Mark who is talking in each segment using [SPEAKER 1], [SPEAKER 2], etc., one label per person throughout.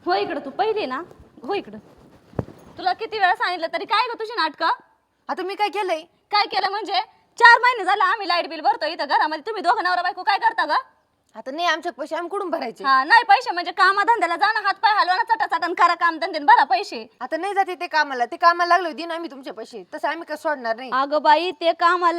[SPEAKER 1] हो इकडं तू पहिली ना हो इकडं. तुला किती वेळा सांगितलं तरी काय ग तुझी नाटकं.
[SPEAKER 2] आता मी काय केलंय?
[SPEAKER 1] काय केलं म्हणजे 4 महिने झाले आम्ही लाईट बिल भरतो इथं घरामध्ये. तुम्ही दोघं नवरा बायको काय करता ग?
[SPEAKER 2] आता नाही आमच्या पैसे आम्ही कुठून भरायचे?
[SPEAKER 1] हा नाही पैसे म्हणजे कामाधंद्याला जाणं हात पाय हलवा ना चटाचटन करा काम धंदे भरा पैसे.
[SPEAKER 2] आता नाही जाते ते कामाला लागलो दिन आम्ही तुमचे पैसे तसं आम्ही काय सोडणार नाही.
[SPEAKER 1] अगं बाई ते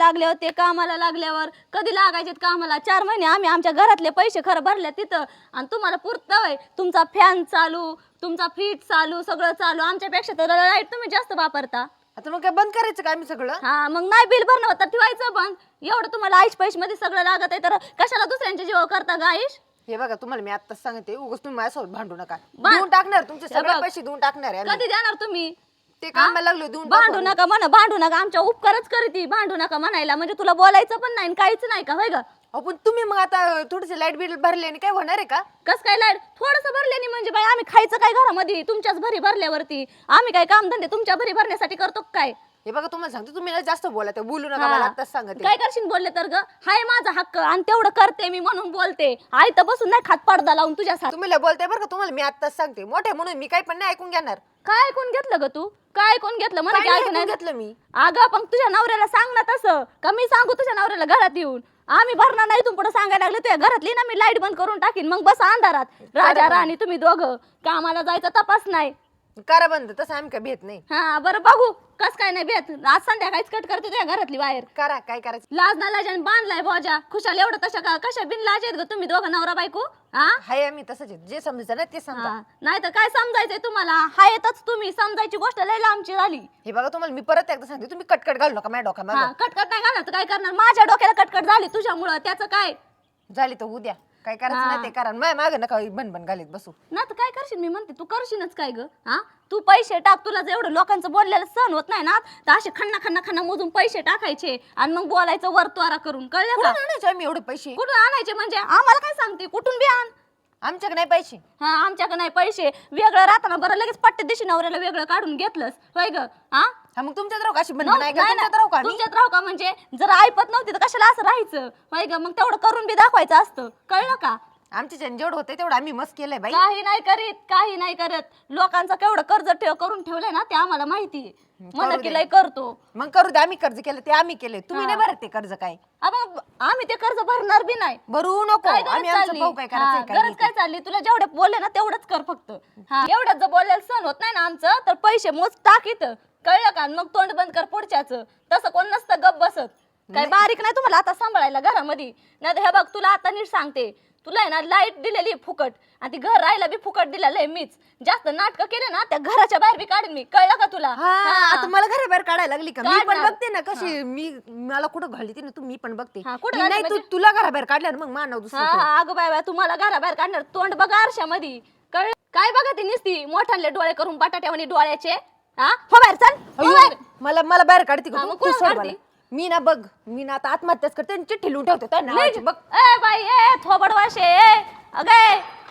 [SPEAKER 1] कामाला लागल्यावर कधी लागायचे कामाला? 4 महिने आम्ही आमच्या घरातले पैसे खरं भरले तिथं आणि तुम्हाला पुरतंय तुमचा फॅन चालू तुमचा फ्रीज चालू सगळं चालू. आमच्यापेक्षा तर लाईट तुम्ही जास्त वापरता.
[SPEAKER 2] आता मग काय बंद करायचं का आम्ही सगळं?
[SPEAKER 1] हा मग नाही बिल भरणं होतं ठेवायचं बंद. एवढं तुम्हाला आईश पैसे मध्ये सगळं लागत आहे तर कशाला दुसऱ्यांच्या जीव करता ग आईश?
[SPEAKER 2] हे बघा तुम्हाला मी आत्ताच सांगते उगाच तुम्ही माझ्यासोबत भांडू नका. देऊन टाकणार तुमचे सगळे पैसे देऊन टाकणार आहे आम्ही.
[SPEAKER 1] कधी देणार तुम्ही?
[SPEAKER 2] ते कामाला लागलो देऊन
[SPEAKER 1] भांडू नका म्हणा भांडू नका आमच्या उपकारच करती. भांडू नका म्हणायला म्हणजे तुला बोलायचं पण नाही काहीच नाही का होय ग?
[SPEAKER 2] पण तुम्ही मग आता थोडेसे लाईट बिल भरले आणि काय होणार आहे का?
[SPEAKER 1] कस काय लाईट थोडस भरल्याने म्हणजे बाई आम्ही खायचं काय घरामध्ये तुमच्याच भरी भरल्यावरती? आम्ही काय कामधंदे तुमच्या भरी भरण्यासाठी करतो काय?
[SPEAKER 2] हे बघा तुम्हाला सांगते तुम्ही ना जास्त बोला ते बोलू नका मला आत्ताच सांगते.
[SPEAKER 1] काय करशील बोलले तर ग? हाय माझा हक्क आणि तेवढं करते मी म्हणून बोलते. आई तर बसून नाही खात पडदा लावून तुझ्यासाठी.
[SPEAKER 2] तुम्ही लय बोलताय बरं का तुम्हाला मी आत्ताच सांगते मोठे म्हणून मी काही पण नाही ऐकून घेणार.
[SPEAKER 1] काय ऐकून घेतलं ग तू? काय ऐकून घेतलं मला
[SPEAKER 2] काय
[SPEAKER 1] काय
[SPEAKER 2] ऐकून
[SPEAKER 1] ऐकून
[SPEAKER 2] घेतलं मी?
[SPEAKER 1] अगं पण तुझ्या नवऱ्याला सांग ना तसं का मी सांगू तुझ्या नवऱ्याला घरात येऊन? आम्ही भरणार नाही तुम पुढे सांगायला लागले तुझ्या घरातली ना मी लाईट बंद करून टाकीन मग बस अंधारात राजा राणी तुम्ही दोघं. कामाला जायचा तपास नाही.
[SPEAKER 2] करा बंद तसं आम्ही काय भेट नाही.
[SPEAKER 1] हा बरं बघू कस काय नाही भेट. आज संध्याकाळीच कट करते तुझ्या घरातली बाहेर.
[SPEAKER 2] करा काय करायचं.
[SPEAKER 1] लाज ना लाजाने बांधलाय भोजा खुशाल एवढं तशा का कशा बिन लाज आहेत ग तुम्ही दोघं नवरा बायको? हा
[SPEAKER 2] हाय आम्ही तसंच आहे. जे समजायचं ना ते समजा.
[SPEAKER 1] नाही तर काय समजायचंय तुम्हाला? हा येतच तुम्ही समजायची गोष्ट लय लांबची झाली.
[SPEAKER 2] हे बघा तुम्हाला मी परत एकदा सांगते तुम्ही कटकट घालू नका माझ्या डोक्यात.
[SPEAKER 1] हा कटकट नाही घालणार तर काय करणार? माझ्या डोक्याला कटकट झाली तुझ्यामुळं त्याचं काय?
[SPEAKER 2] झाली तर उद्या काय करायचं ना ते करा. माझ्या मागे नका बन घालीत बसू.
[SPEAKER 1] ना तर काय करशील? मी म्हणते तू करशीलच काय ग? हा तू पैसे टाक. तुला जर एवढं लोकांचं बोललेलं सहन होत नाही ना तर असे खन्ना मोजून पैसे टाकायचे आणि मग बोलायचं वरतवारा करून. कळलं
[SPEAKER 2] कुठून
[SPEAKER 1] का?
[SPEAKER 2] आणायचे आम्ही एवढे पैसे?
[SPEAKER 1] कुठून आणायचे म्हणजे आम्हाला काय सांगते? कुठून बी आण.
[SPEAKER 2] आमच्याकडे नाही पैसे.
[SPEAKER 1] हा आमच्याकडे नाही पैसे. वेगळं राहताना बरं लगेच पट्टे दिशी नवऱ्याला वेगळं काढून घेतलंस होय ग? हा
[SPEAKER 2] मग तुमच्यात राहू का अशी बंद नाही का? तुमच्यात राहू का?
[SPEAKER 1] तुमच्यात राहू का म्हणजे जर ऐपत नव्हती तर कशाला असं राहायचं होय ग? मग तेवढं करून बी दाखवायचं असतं. कळलं का?
[SPEAKER 2] आमच्या जेवढं होते तेवढं आम्ही मस्त केलंय बाई.
[SPEAKER 1] काही नाही करत. लोकांचं केवढं कर्ज करून ठेवलंय ना ते आम्हाला माहिती आहे. मला
[SPEAKER 2] करू
[SPEAKER 1] की
[SPEAKER 2] दे.
[SPEAKER 1] लय करतो.
[SPEAKER 2] मग करू दे. आम्ही कर्ज केलं ते आम्ही केले. तुम्ही नाही भरत ते कर्ज काय?
[SPEAKER 1] मग आम्ही ते कर्ज भरणार बी नाही.
[SPEAKER 2] भरू नको.
[SPEAKER 1] काय गरज
[SPEAKER 2] आम्ही आमचं
[SPEAKER 1] चालली?
[SPEAKER 2] भाऊ काय
[SPEAKER 1] हा,
[SPEAKER 2] करायचं
[SPEAKER 1] गरज काय चालली? तुला जेवढे बोलले ना तेवढंच कर फक्त. हा एवढंच जर बोलायला सहन होत नाही ना आमचं तर पैसे मोज टाक इथं. कळलं का? मग तोंड बंद कर पुढच्याच. तसं कोण नसतं गप बसत. काय बारीक नाही तुम्हाला आता सांभाळायला घरामध्ये? नाही हे बघ तुला आता नीट सांगते. तुला आहे ना लाईट दिलेली फुकट आणि ती घर राहायला बी फुकट दिलेलं आहे मीच. जास्त नाटक केले ना त्या घराच्या बाहेर बी काढेन मी. कळलं का तुला?
[SPEAKER 2] आता मला घराबाहेर काढायला लागली का? मी पण
[SPEAKER 1] काढणार.
[SPEAKER 2] बघते ना कशी मला कुठं घालली ती ना तू मी पण बघते.
[SPEAKER 1] हा, कुठं
[SPEAKER 2] मी
[SPEAKER 1] घालली
[SPEAKER 2] नाही
[SPEAKER 1] म्हणजे?
[SPEAKER 2] तुला घराबाहेर काढल्यावर मग मानव दुसरं कोण?
[SPEAKER 1] अगं बाय तुम्हाला घराबाहेर काढणार. तोंड बघा आरशामध्ये. कळ काय बघा ती निसती मोठ्याले डोळे करून बटाट्यावानी डोळ्याचे. हा हो बाहेर चल हो बाहेर.
[SPEAKER 2] मला बाहेर काढते का
[SPEAKER 1] हा,
[SPEAKER 2] तू?
[SPEAKER 1] मग
[SPEAKER 2] तू
[SPEAKER 1] कुणाला
[SPEAKER 2] सोड
[SPEAKER 1] काढते?
[SPEAKER 2] मला. मी ना बघ मी ना आता आत्महत्याच करते आणि चिठ्ठी लिहून ठेवते त्या नावाची बघ.
[SPEAKER 1] ए बाई ए थोबड वाशे ए अगे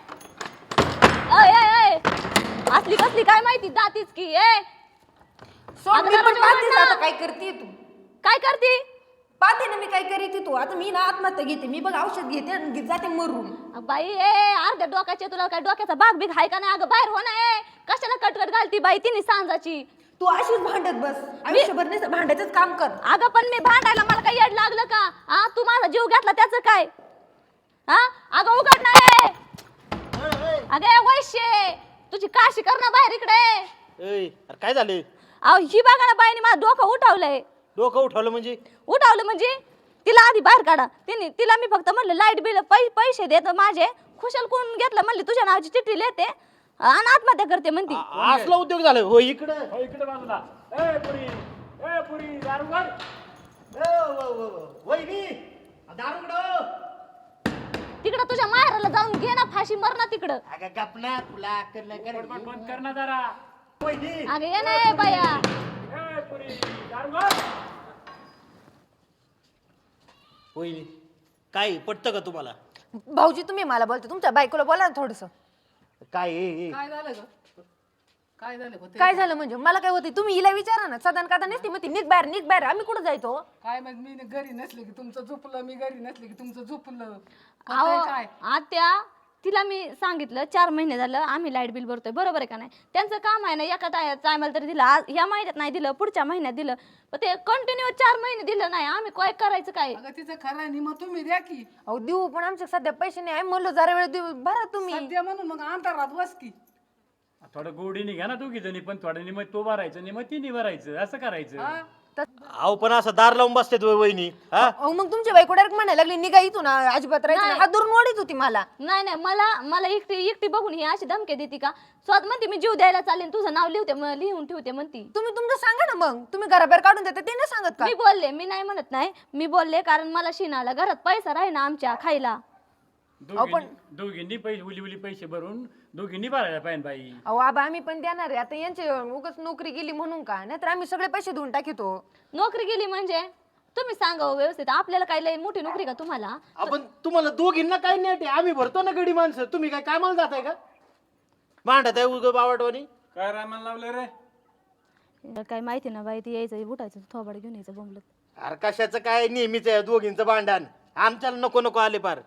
[SPEAKER 1] असली कसली काय माहिती जातीच की ए.
[SPEAKER 2] सोड
[SPEAKER 1] आता
[SPEAKER 2] मी पण
[SPEAKER 1] दरवाजा
[SPEAKER 2] पाहतेच
[SPEAKER 1] उघड ना.
[SPEAKER 2] आता काय करते तू.
[SPEAKER 1] काय करते?
[SPEAKER 2] पाहते ना मी काय करते तू. आता मी ना आत्महत्या घेते. मी बघ औषध घेते आणि जाते मरून.
[SPEAKER 1] बाई ए अर्ध्या डोक्याचे तुला काय डोक्याचा भाग बिग हाय का नाही? अगं बाहेर हो ना ए. कशाला कटकट घालती बाई तिने सांजाची?
[SPEAKER 2] तू अशीच भांडत बस. आयुष्यभर नाही भांडायचंच काम कर.
[SPEAKER 1] अगं पण मी भांडायला मला काही येड लागलं का? हा तू माझा जीव घेतला त्याचं काय? हा अगं उघड नाही. अगं वैश्य तुझी काशी कर ना बाहेर इकडे.
[SPEAKER 3] अरे काय झालं?
[SPEAKER 1] अहो ही बघा ना बाईने माझं डोकं उठवलंय.
[SPEAKER 3] डोकं उठवलं म्हणजे?
[SPEAKER 1] उठवलं म्हणजे तिला आधी बाहेर काढा. तिला मी फक्त म्हणलं लाईट बिल पैसे देत माझे. खुशाल कोण घेतलं म्हणली तुझ्या नावाची चिठ्ठी लिहिते आणि आत्महत्या करते म्हणती.
[SPEAKER 3] असला उद्योग झाला हो इकडे.
[SPEAKER 4] इकडे बाजूला ए पुरी दारू काढ.
[SPEAKER 3] वहिनी दारू
[SPEAKER 1] तिकडं तुझ्या माहेराला जाऊन घे ना फाशी मर ना तिकडं.
[SPEAKER 3] अगं गपना तुला अक्कल नाही का रे?
[SPEAKER 4] बंद कर ना जरा.
[SPEAKER 3] वहिनी
[SPEAKER 1] अगं ये ना ए बाया.
[SPEAKER 4] ए पुरी दारू काढ.
[SPEAKER 3] वहिनी काय पटतं का तुम्हाला?
[SPEAKER 2] भाऊजी तुम्ही मला बोलते तुमच्या बायकोला बोला ना थोडस.
[SPEAKER 3] काय
[SPEAKER 5] काय झालं ग? काय झालं होते?
[SPEAKER 2] काय झालं म्हणजे मला काय होते तुम्ही हिला विचारा ना. सदन कादा नसती मग ती निघ बाहेर आम्ही कुठं जायचो?
[SPEAKER 5] काय मग मी घरी नसले की तुमचं झोपलं, मी घरी नसले की तुमचं झोपलं.
[SPEAKER 1] अहो,
[SPEAKER 5] होतंय काय?
[SPEAKER 1] आत्या तिला मी सांगितलं 4 महिने झालं आम्ही लाईट बिल भरतोय, बरोबर आहे का नाही? त्यांचं काम आहे ना, एका टायमाला तरी दिलं, आज ह्या महिन्यात नाही दिलं, पुढच्या महिन्यात दिलं, पण ते कंटिन्यू 4 महिने दिलं नाही. आम्ही काय करायचं काय?
[SPEAKER 5] अगं तिचं खरं आहे, मग तुम्ही द्या की
[SPEAKER 2] अहो देऊ, पण आमच्या सध्या पैसे नाही. आम्ही म्हणलो जरा वेळ देऊ, भरा तुम्ही.
[SPEAKER 5] सध्या म्हणून मग अंतरात बस की.
[SPEAKER 4] थोडं गोडीने घ्या ना दोघी जणी, पण थोडं निम तो भरायचं निम तिने भरायचं, असं करायचं.
[SPEAKER 5] हा?
[SPEAKER 3] अहो पण असं दार लावून बसतात वहिनी. हा
[SPEAKER 2] अहो मग तुमची बायको डायरेक्ट म्हणायला लागली निघा इथून, अजिबात राहायचं नाही. हात धरून ओढीत होती मला.
[SPEAKER 1] नाही मला एकटी बघून ही अशी धमकी देते का? स्वतः म्हणते मी जीव द्यायला चालेल, तुझं नाव लिहून ठेवते म्हणती.
[SPEAKER 2] तुम्ही तुमचं सांगा ना, मग तुम्ही घराबाहेर काढून देता ते नाही सांगत का?
[SPEAKER 1] मी बोलले, मी नाही म्हणत नाही, मी बोलले कारण मला शिनाला घरात पैसा राही ना आमच्या खायला.
[SPEAKER 4] दोघींनी पैसे उली पैसे भरून दोघींनी भरायला पाहिजे बाई.
[SPEAKER 2] अहो आबा आम्ही पण देणार आहे. आता यांची उगाच नोकरी गेली म्हणून का? नाहीतर आम्ही सगळे पैसे देऊन टाकितो.
[SPEAKER 1] नोकरी गेली म्हणजे तुम्ही सांगा हो व्यवस्थित, आपल्याला काय लय मोठी नोकरी का तुम्हाला?
[SPEAKER 3] आपण तुम्हाला दोघींना काही नाही, आम्ही भरतो ना गडी माणसं. तुम्ही काय कामाला जाताय का? मांडत आहे उग बावटवानी.
[SPEAKER 4] काय रामाला लावलं रे?
[SPEAKER 1] काय माहिती ना बाई, ती यायचं उठायचं थोबाड घेऊन यायचं बोंबलत.
[SPEAKER 3] अरे कशाचं काय, नेहमीच आहे दोघींचं भांडण. आमच्याला नको नको आले पार.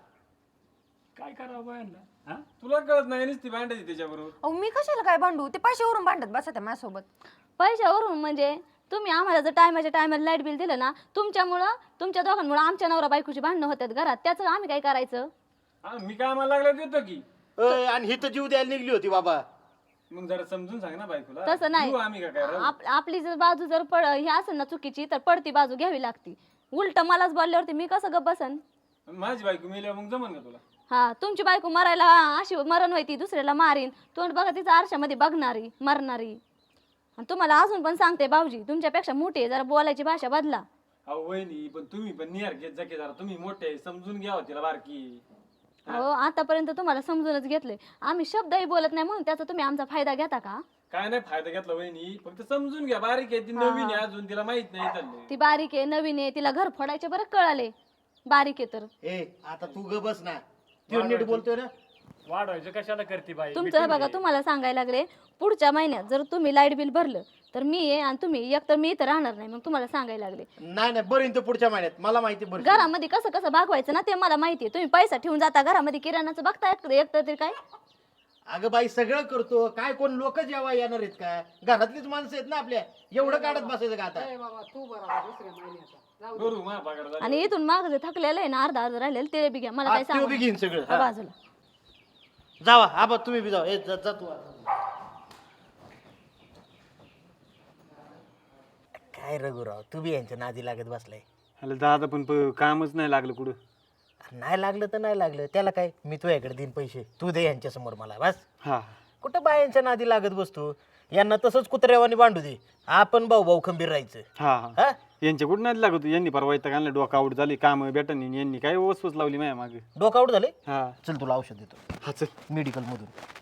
[SPEAKER 4] काय करावं बायांना? हा? तुला कळत नाही नुसती भांडायची त्याच्याबरोबर.
[SPEAKER 2] अहो मी कशाला काय भांडू? ते पैशावरून भांडत बसा त्या माझ्यासोबत.
[SPEAKER 1] पैशावरून म्हणजे तुम्ही आम्हाला जर टायमाच्या टायमाला लाईट बिल दिलं ना, तुमच्या दोघांमुळे आमच्या नवरा बायकोची भांडणं होतात घरात, त्याचं आम्ही काय करायचं?
[SPEAKER 4] हा, मी काय मला लागलं देतो की.
[SPEAKER 3] आणि ही तर जीव द्यायला निघली होती बाबा.
[SPEAKER 4] मग जरा समजून सांग ना बायकोला.
[SPEAKER 1] तसं नाही.
[SPEAKER 4] देऊ आम्ही काय राहू?
[SPEAKER 1] आपली जर बाजू जर हे असेल ना चुकीची, तर पडती बाजू घ्यावी लागती. उलट मलाच बोलल्यावरती मी कसं गप्प बसन?
[SPEAKER 4] माझी बायको मेल्यावर मग जमन का तुला?
[SPEAKER 1] हा, तुमची बायको मरायला अशी मरण व्हायची, दुसऱ्याला मारीन, तोंड बघा तिचा आरशामध्ये बघणारी मरणारी. आणि तुम्हाला अजून पण सांगते भाऊजी, तुमच्यापेक्षा मोठी आहे, जरा बोलायची भाषा बदला.
[SPEAKER 4] अहो वहिनी, पण तुम्ही पण निहार घेत जा की जरा. तुम्ही मोठे समजून घ्यावं तिला बारकी.
[SPEAKER 1] हो, आतापर्यंत तुम्हाला समजूनच घेतलंय आम्ही, शब्दही बोलत नाही म्हणून त्याचा तुम्ही आमचा फायदा घेता का?
[SPEAKER 4] काय नाही फायदा घेतला वहिनी, फक्त समजून घ्या. बारीक आहे ती, नवीन आहे अजून, तिला माहित नाही चाललंय.
[SPEAKER 1] ती बारीक आहे, नवीन आहे, तिला घर फोडायचे बरं कळाले. बारीक आहे तर
[SPEAKER 3] ए आता तू ग बस ना, तू नीट बोलतोय ना.
[SPEAKER 4] वाढवायचं कशाला करते बाई?
[SPEAKER 1] तुमचं बघा, तुम्हाला सांगायला लागले पुढच्या महिन्यात जर तुम्ही लाईट बिल भरलं तर मी आहे, आणि तुम्ही एक तर मी इथं राहणार नाही. मग तुम्हाला सांगायला लागले
[SPEAKER 3] नाही बरीन तर पुढच्या महिन्यात, मला माहिती बरं.
[SPEAKER 1] घरामध्ये कसं कसं भागवायचं ना ते मला माहिती आहे. तुम्ही पैसा ठेवून जाता घरामध्ये, किराणाचं बघता एक तर काय.
[SPEAKER 3] अगं बाई सगळं करतो, काय कोण लोक जेव्हा येणार आहेत का? घरातलीच माणसं आहेत ना आपल्या, एवढं काढत बसायचं का आता?
[SPEAKER 5] ए बाबा तू बरा दुसऱ्या महिन्याचा जाऊ दे.
[SPEAKER 4] करू मा पगार झाला.
[SPEAKER 1] आणि इथून माग जे थकलेलं आहे ना, अर्धा राहिलेलं ते बी घ्या, मला काय
[SPEAKER 3] हा, त्यो बी घेईन
[SPEAKER 1] सांगा
[SPEAKER 3] सगळं. हा.
[SPEAKER 1] बाजूला.
[SPEAKER 3] जावा आबा तुम्ही बी जावा. ए जा तू आता. काय रघुराव, तू बी यांच्या नादी लागत बसलाय.
[SPEAKER 4] अरे दादा पण कामच नाही लागलं कुठं.
[SPEAKER 3] नाही लागलं तर नाही लागलं, त्याला काय, मी तुझ्याकडे देईन पैसे, तू दे यांच्या समोर मला बस.
[SPEAKER 4] हा,
[SPEAKER 3] कुठं बायांच्या नादी लागत बसतो? यांना तसंच कुत्र्यावानी बांधू दे, आपण भाऊ खंबीर राहायचं.
[SPEAKER 4] हा
[SPEAKER 3] हा
[SPEAKER 4] यांच्या कुठं नाही लागत. यांनी परवा इथं आणलं, डोका आउट झाली, काम भेटन. यांनी काय वसवस लावली माझ्या मागे.
[SPEAKER 3] डोकं आउट झाले.
[SPEAKER 4] हा
[SPEAKER 3] चल तुला औषध देतो
[SPEAKER 4] हा, चल.
[SPEAKER 3] मेडिकल मधून.